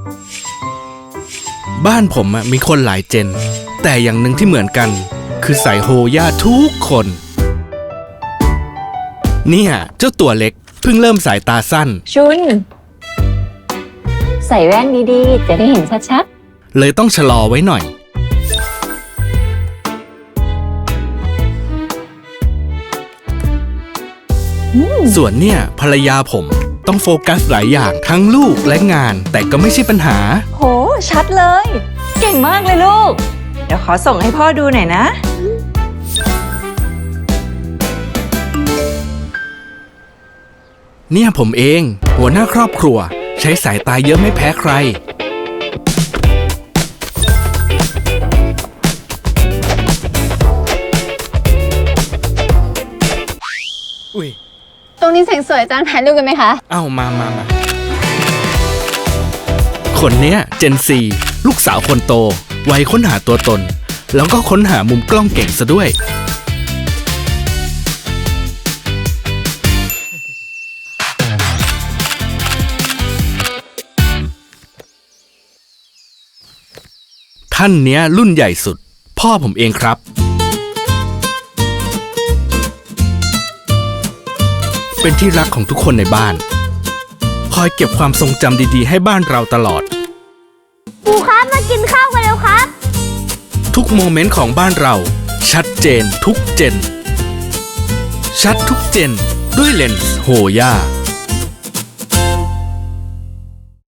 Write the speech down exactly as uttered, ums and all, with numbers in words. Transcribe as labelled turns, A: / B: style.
A: บ้านผมมีคนหลายเจนแต่อย่างหนึ่งที่เหมือนกันคือใส่โฮย่าทุกคนเนี่ยเจ้าตัวเล็กเพิ่งเริ่มสายตาสั้น
B: ชุนใส่แว่นดีๆจะได้เห็นชัด
A: ๆเลยต้องชะลอไว้หน่อยส่วนเนี่ยภรรยาผมต้องโฟกัสหลายอย่างทั้งลูกและงานแต่ก็ไม่ใช่ปัญหา
B: โหชัดเลยเก่งมากเลยลูกเดี๋ยวขอส่งให้พ่อดูหน่อยนะ
A: เนี่ยผมเองหัวหน้าครอบครัวใช้สายตาเยอะไม่แพ้ใครอุ้ย
C: ตรงนี้แสงสวยจานถ่ายรูปกันไหมคะ
A: เอ้ามามามาคนเนี้ยเจนซีลูกสาวคนโตวัยค้นหาตัวตนแล้วก็ค้นหามุมกล้องเก่งซะด้วยท่านเนี้ยรุ่นใหญ่สุดพ่อผมเองครับเป็นที่รักของทุกคนในบ้านคอยเก็บความทรงจำดีๆให้บ้านเราตลอด
C: ปู่ครับมากินข้าวกันแล้วครับ
A: ทุกโมเมนต์ของบ้านเราชัดเจนทุกเจนชัดทุกเจนด้วยเลนส์โฮย่า